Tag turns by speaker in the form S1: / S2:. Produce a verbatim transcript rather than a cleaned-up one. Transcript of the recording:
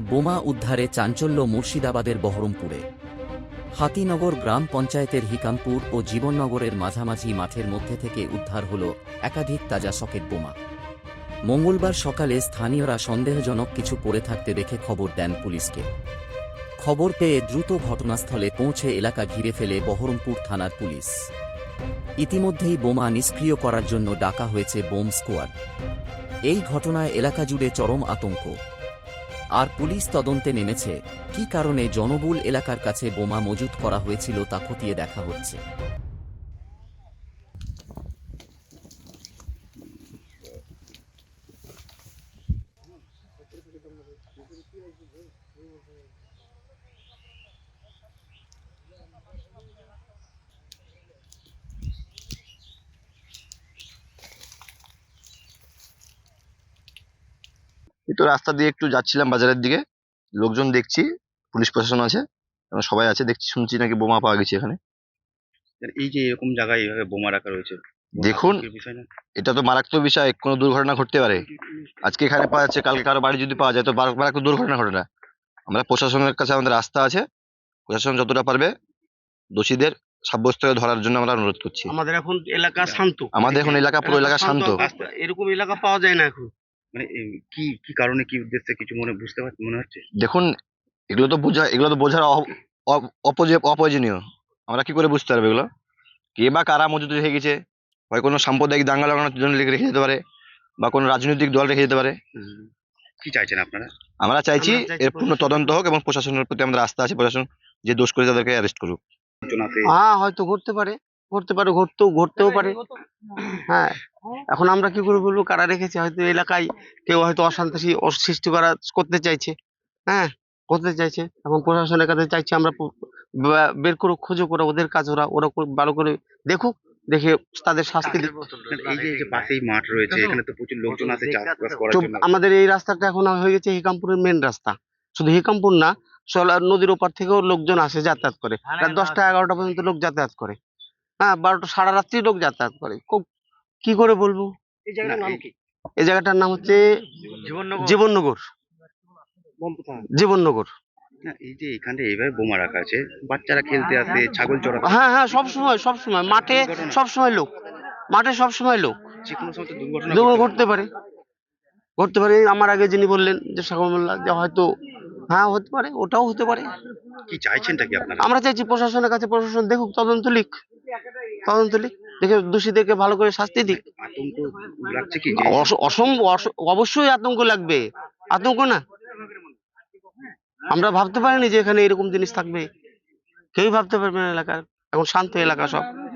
S1: বোমা উদ্ধারে চাঞ্চল্য মুর্শিদাবাদের বহরমপুরে। হাতিনগর গ্রাম পঞ্চায়েতের হিকামপুর ও জীবননগরের মাঝামাঝি মাঠের মধ্যে থেকে উদ্ধার হল একাধিক তাজা সকেট বোমা। মঙ্গলবার সকালে স্থানীয়রা সন্দেহজনক কিছু পড়ে থাকতে দেখে খবর দেন পুলিশকে। খবর পেয়ে দ্রুত ঘটনাস্থলে পৌঁছে এলাকা ঘিরে ফেলে বহরমপুর থানার পুলিশ। ইতিমধ্যেই বোমা নিষ্ক্রিয় করার জন্য ডাকা হয়েছে বোম স্কোয়াড। এই ঘটনায় এলাকা জুড়ে চরম আতঙ্ক। আর পুলিশ তদন্তে নেমেছে, কী কারণে জনবহুল এলাকার কাছে বোমা মজুত করা হয়েছিল তা খতিয়ে দেখা হচ্ছে।
S2: এই তো রাস্তা দিয়ে একটু যাচ্ছিলাম বাজারের দিকে, লোকজন দেখছি, পুলিশ প্রশাসন আছে, এবং সবাই আছে দেখছি, শুনছি নাকি বোমা পাওয়া গেছে এখানে।
S3: এই যে এরকম জায়গায় এইভাবে বোমা রাখা রয়েছে,
S2: দেখুন,
S3: আতঙ্কের বিষয় না?
S2: এটা তো মারাত্মক বিষয়, কোনো দুর্ঘটনা ঘটতে পারে। আজকে এখানে পাওয়া যাচ্ছে, কালকে কারো বাড়ি যদি পাওয়া যায় তো বার- মারাত্মক দুর্ঘটনা ঘটে না। আমরা প্রশাসনের কাছে আমাদের আস্থা আছে, প্রশাসন যতটা পারবে দোষীদের সাব্যস্ত করে ধরার জন্য আমরা অনুরোধ করছি।
S4: আমাদের এখন এলাকা শান্ত,
S2: আমাদের এখন এলাকা পুরো এলাকা শান্ত।
S4: রাস্তা- এরকম এলাকা পাওয়া যায় না এখন।
S3: মানে এই কি কি কারণে, কি উদ্দেশ্যে কিছু মনে বুঝতে পারছি মনে হচ্ছে?
S2: দেখুন, এগুলো তো বোঝা এগুলো তো বোঝার অ- অ- অপজে- অপ্রয়োজনীয়। আমরা কি করে বুঝতে পারবো এগুলো কে বা কারা মজুদ রেখে গেছে? হয় কোনো সাম্প্রদায়িক দাঙ্গা লাগানোর জন্য রেখে যেতে পারে, বা কোনো রাজনৈতিক দল রেখে যেতে পারে।
S3: হুম। কি চাইছেন আপনারা?
S2: আমরা চাইছি
S4: আমরা চাইছি
S2: এর পূর্ণ তদন্ত হোক, এবং প্রশাসনের প্রতি আমাদের আস্থা আছে, প্রশাসন যে দোষ করে তাদেরকে অ্যারেস্ট করুক।
S3: সূচনাতে
S4: হ্যাঁ, হয়তো ঘটতে পারে, ঘটতে পারে, ঘটতেও ঘটতেও পারে। হ্যাঁ, এখন আমরা কি করে বলবো কারা রেখেছে? হয়তো এলাকায় কেউ হয়তো অশান্তি ও- সৃষ্টি করা করতে চাইছে, হ্যাঁ করতে চাইছে। এখন প্রশাসনের কাছে চাইছি আমরা প- বা- বের করুক, খুঁজো করে ওদের কাজ, ওরা ওরা করে ভালো করে দেখুক, দেখে তাদের শাস্তি দিক।
S3: এই যে এই যে পাশেই মাঠ রয়েছে, এখানে তো প্রচুর লোকজন আছে চাষবাস করার
S4: তো
S3: জন্য।
S4: আমাদের এই রাস্তাটা এখন হয়ে গেছে হিকামপুরের মেন রাস্তা। শুধু হিকামপুর না, সোলার নদীর ওপার থেকেও লোকজন আসে, যাতায়াত করে। রাত দশটা এগারোটা পর্যন্ত লোক যাতায়াত করে। হ্যাঁ, বারোটা সারা রাত্রি লোক যাতায়াত করে। খুব- কি করে বলবো?
S3: না, এই-
S4: এই জায়গাটার নাম হচ্ছে জীবননগর। জীবননগর।
S3: না, এই যে এখানে এইভাবে বোমা রাখা আছে, বাচ্চারা খেলতে আসে, ছাগল চড়াতে,
S4: হ্যাঁ হ্যাঁ, সব সময় সব সময় মাঠে সব সময় লোক, মাঠে সব সময় লোক।
S3: যে কোনো সময় তো দুর্ঘটনা
S4: দুর্ঘটনা
S3: ঘটতে পারে।
S4: ঘটতে পারে, ঘটতে পারে। আমার আগে যিনি বললেন যে সাগর মোল্লা, যে হয়তো হ্যাঁ হতে পারে, ওটাও হতে পারে।
S3: কি চাইছেনটা কি আপনারা?
S4: আমরা চাইছি প্রশাসনের কাছে, প্রশাসন দেখুক, তদন্ত লিখ, তদন্ত লিখ, দেখে দোষীদেরকে ভালো করে শাস্তি দিক।
S3: আতঙ্ক লাগছে কি যে
S4: অস- অসম্ভব অস- অবশ্যই আতঙ্ক লাগবে, আতঙ্ক না। আমরা ভাবতে পারিনি যে এখানে এরকম জিনিস থাকবে, কেউই ভাবতে পারবে না। এলাকার এখন শান্ত এলাকা সব।